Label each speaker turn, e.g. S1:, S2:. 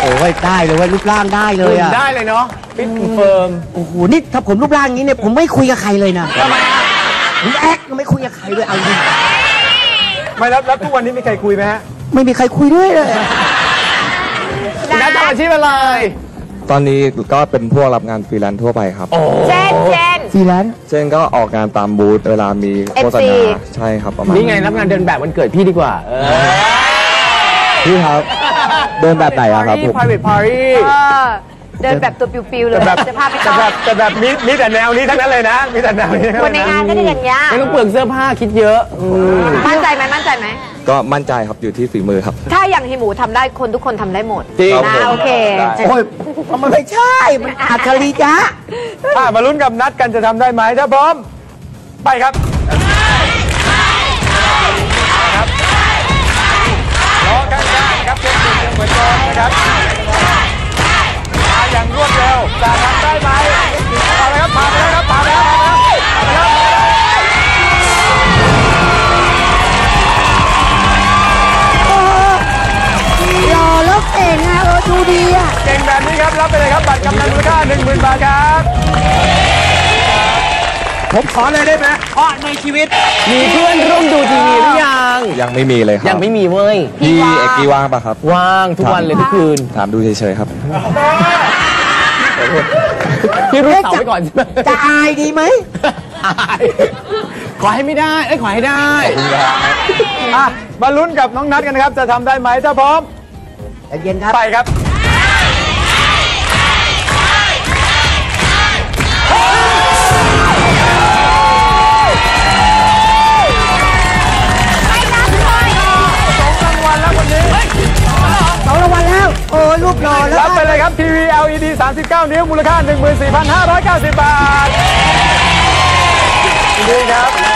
S1: โอ้ยได้เลยว่ารูปร่างได้เลยอะ
S2: ได้เลยเนาะฟิตเฟิร์ม
S1: โอ้โหนี่ถ้าผมรูปร่างนี้เนี่ยผมไม่คุยกับใครเลยนะ
S2: ทำไมอ่ะ
S1: ผมแอ๊กไม่คุยกับใครเลยเอาจริง
S2: ไม่แล้วทุกวันนี้มีใครคุยไหมฮะ
S1: ไม่มีใครคุยด้วยเลย
S2: นัดทำอาชีพอะไร
S3: ตอนนี้ก็เป็นพวกรับงานฟรีแลนซ์ทั่วไปครับ
S4: เช่น
S1: ฟรีแลนซ์
S3: เช่นก็ออกงานตามบูธเวลามีโฆษณาใช่ครับประมาณ
S2: นี่ไงรับงานเดินแบบวันเกิดพี่ดีกว่า
S3: พี่ครับเดินแบบไหนอะครับผม
S2: private party
S4: เดินแบบตัวปิวๆเลยจะพาไปต่อ
S2: แต่แบบมีแต่แนวนี้ทั้งนั้นเลยนะมีแต่แนวนี้
S4: คนในงานก็ได้อย่างเงี้ย
S2: ไม่ต้องเปลืองเสื้อผ้าคิดเยอะ
S4: มั่นใจไหม
S3: ก็มั่นใจครับอยู่ที่ฝีมือครับ
S4: ถ้าอย่างฮิหมูทำได้คนทุกคนทำได้หมด
S2: จริง
S4: นะโอเค
S1: โอ้ยมันไม่ใช่มันอัจฉริยะ
S2: มาลุ้นกับนัดกันจะทำได้ไหมถ้าพร้อมไปครับรอกันครับเช่นเดิมเหมือนเดิมนะครับมาอย่างรวดเร็วจะทำได้ไหมเอาเลยครับผ่านไปแล้วครับผ่านไปแล้ว
S1: หล่อแล้วเก่งนะดูดีอ่ะ
S2: เก่งแบบนี้ครับรับไปเลยครับบัตรกำนันมูลค่า 10,000 บาทครับผมขอเลยได้ไหมเพราะในชีวิตมีเพื่อนร่วมดูทีวีหรือ
S3: ยังไม่มีเลยครับ
S2: ยังไม่มีเว้ย
S3: พี่เอกกี้ว่างปะครับ
S2: ว่างทุกวันเลยทุกคืน
S3: ถามดูเฉยๆครับ
S2: พี่รู้เสาไปก่อนใช่ไหม
S1: จะอายดีไหม
S2: ขอให้ไม่ได้ขอให้ได้มาลุ้นกับน้องนัทกันนะครับจะทำได้ไหมถ้าพร้อม
S1: เย็นครับ
S2: ไปครับ
S1: 2 รางวัลแล้วโอ้รูปหล่อแล้ว
S2: รับไปเลยครับทีวี LED 39 นิ้วมูลค่า 14,590 บาทดีครับ